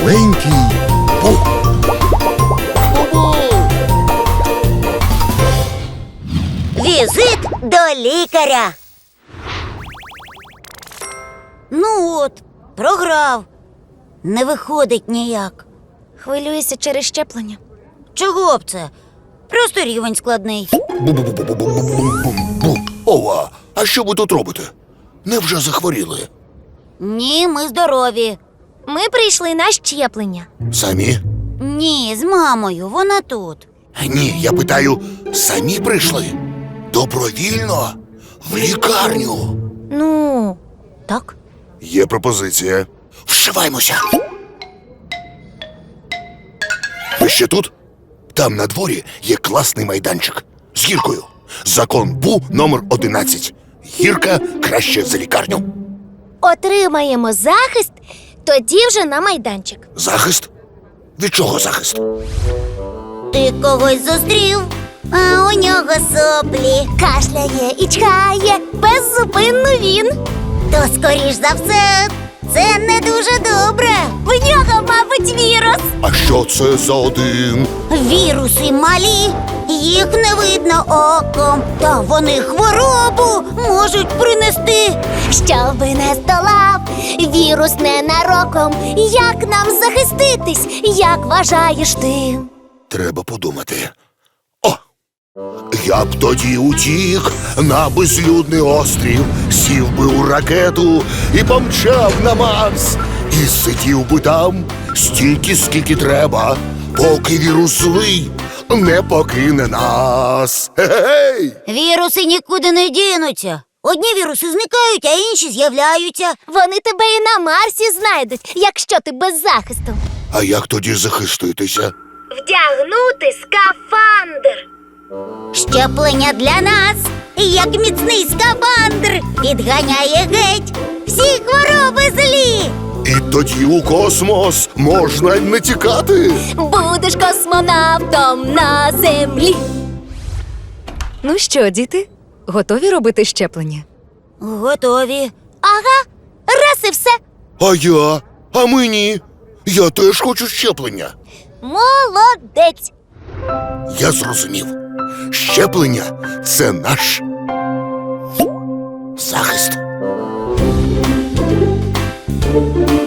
маленький Бу. Візит до лікаря. Ну от, програв. Не виходить ніяк. Хвилююся через щеплення. Чого б це? Просто рівень складний. Бу-бу-бу-бу-бу-бу-бу-бу. Ова, а що ви тут робите? Невже захворіли? Ні, ми здорові. Ми прийшли на щеплення. Самі? Ні, з мамою, вона тут. Ні, я питаю, самі прийшли? Добровільно? В лікарню? Ну, так. Є пропозиція. Вшиваймося. Ви ще тут? Там на дворі є класний майданчик з гіркою. Закон Бу номер 11. Гірка краще за лікарню. Отримаємо захист, тоді вже на майданчик. Захист? Від чого захист? Ти когось зустрів, а у нього соплі. Кашляє і чхає, беззупинно він. То, скоріш за все, це не дуже добре. В нього, мабуть, вірус. А що це за один? Віруси малі, їх не видно оком. Та вони хворобу можуть принести. Щоби не здолав вірус ненароком. Як нам захиститись, як вважаєш ти? Треба подумати. О! Я б тоді утік на безлюдний острів, сів би у ракету і помчав на Марс. І сидів би там стільки, скільки треба, поки вірус злий не покине нас. Гей! Віруси нікуди не дінуться. Одні віруси зникають, а інші з'являються. Вони тебе і на Марсі знайдуть, якщо ти без захисту. А як тоді захиститися? Вдягнути скафандр. Щеплення для нас, як міцний скафандр, підганяє геть всі хвороби злі. І тоді у космос можна й не тікати. Будеш космонавтом на землі. Ну що, діти, готові робити щеплення? Готові. Ага, раз і все. А я? А мені? Я теж хочу щеплення. Молодець. Я зрозумів. Щеплення – це наш захист.